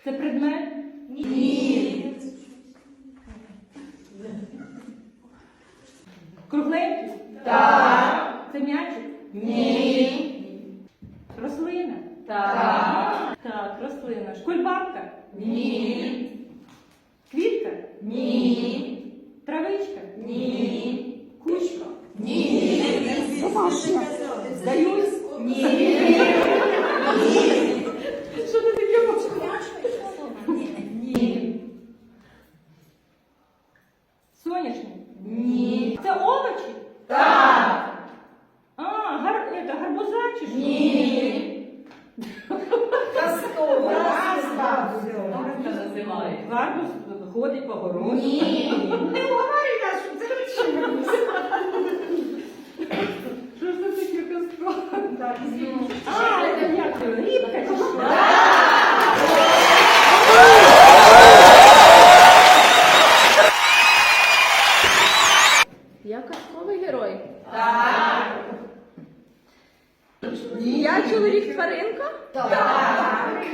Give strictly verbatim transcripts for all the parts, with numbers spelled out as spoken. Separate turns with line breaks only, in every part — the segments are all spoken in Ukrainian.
Це предмет?
Ні.
Кругленький?
Так.
Це м'ячик?
Ні.
Рослина?
Так.
Так, рослина. Шкульбабка?
Ні.
Квітка?
Ні.
Травичка?
Ні.
Кучка?
Ні.
Здаюсь?
Ні.
Що ти таке можеш?
Ні.
Соняшник?
Ні.
Це овочі?
Так.
А, гар... это, гарбуза чи що?
Ні. Казково. Гарбуз називають.
Гарбуз ходить по городу.
Ні. Не говори нас, що це речі.
Що ж це таке казкове?
Так, ну.
А, це як це? Рібка чи що?
Я казковий герой.
Так.
Я чоловік тваринка?
Так.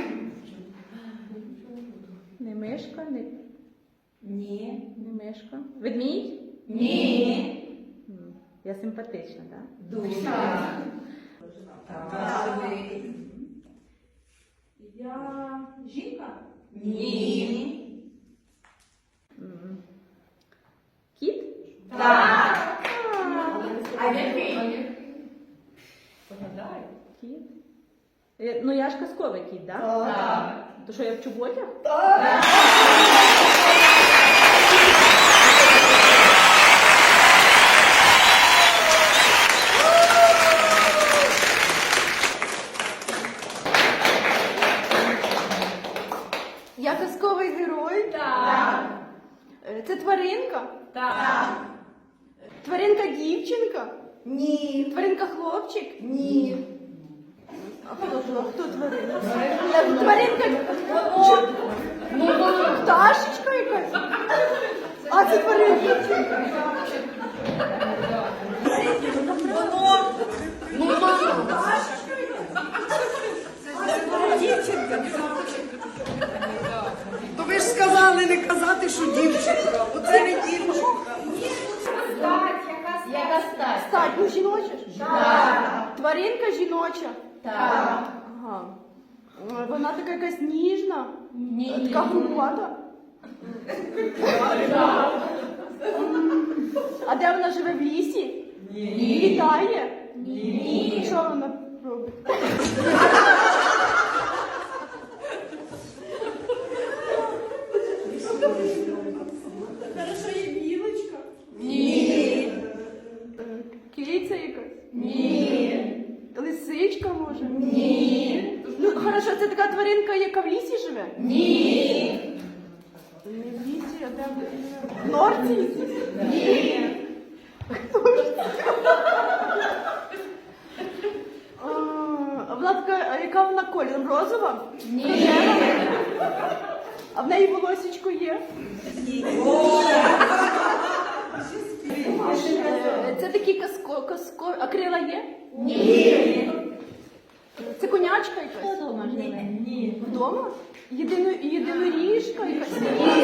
Не мишка, не,
Ні.
не мишка. Ведмідь?
Ні.
М, Я симпатична, так?
Дуже. Так.
Я жінка?
Ні.
М. Кіт?
Так.
А,
А який?
Погадай.
Кіт. Е, Ну я ж казковий кіт, так?
Так.
То що я в чоботях? Я казковий герой?
Так.
Е, Це тваринка?
Так.
Тваринка дівчинка?
Ні.
Тваринка хлопчик?
Ні.
А хто, хто, хто тваринка? Е, Тваринка Ч- пташечка якась? А це тваринка.
То ви ж сказали не казати, що дівчинка. Оце не дівчинка.
Яка стать?
Стать, ну жіноча ж?
Так.
Тваринка жіноча?
Так.
Ага. Е, Вона така якась ніжна?
Ні.
Така грубата? А де вона живе, в лісі?
Ні.
Літає?
Ні.
Що вона робить? Хорошо, є білочка?
Ні.
Е, Киця якась?
Ні.
Лисичка, може?
Ні.
Ну, хорошо, це така тваринка, яка в лісі живе?
Ні.
Не в лісі, а де вона живе? В норці?
Ні.
А, а вона така, а яка вона кольором? Розова?
Ні.
Рожева? А в неї волосечко є? Е, Це такі казко, казко... А крила є?
Ні.
Це конячка якась?
Ні.
Вдома? Єдино, єдиноріжка якась?
Ні.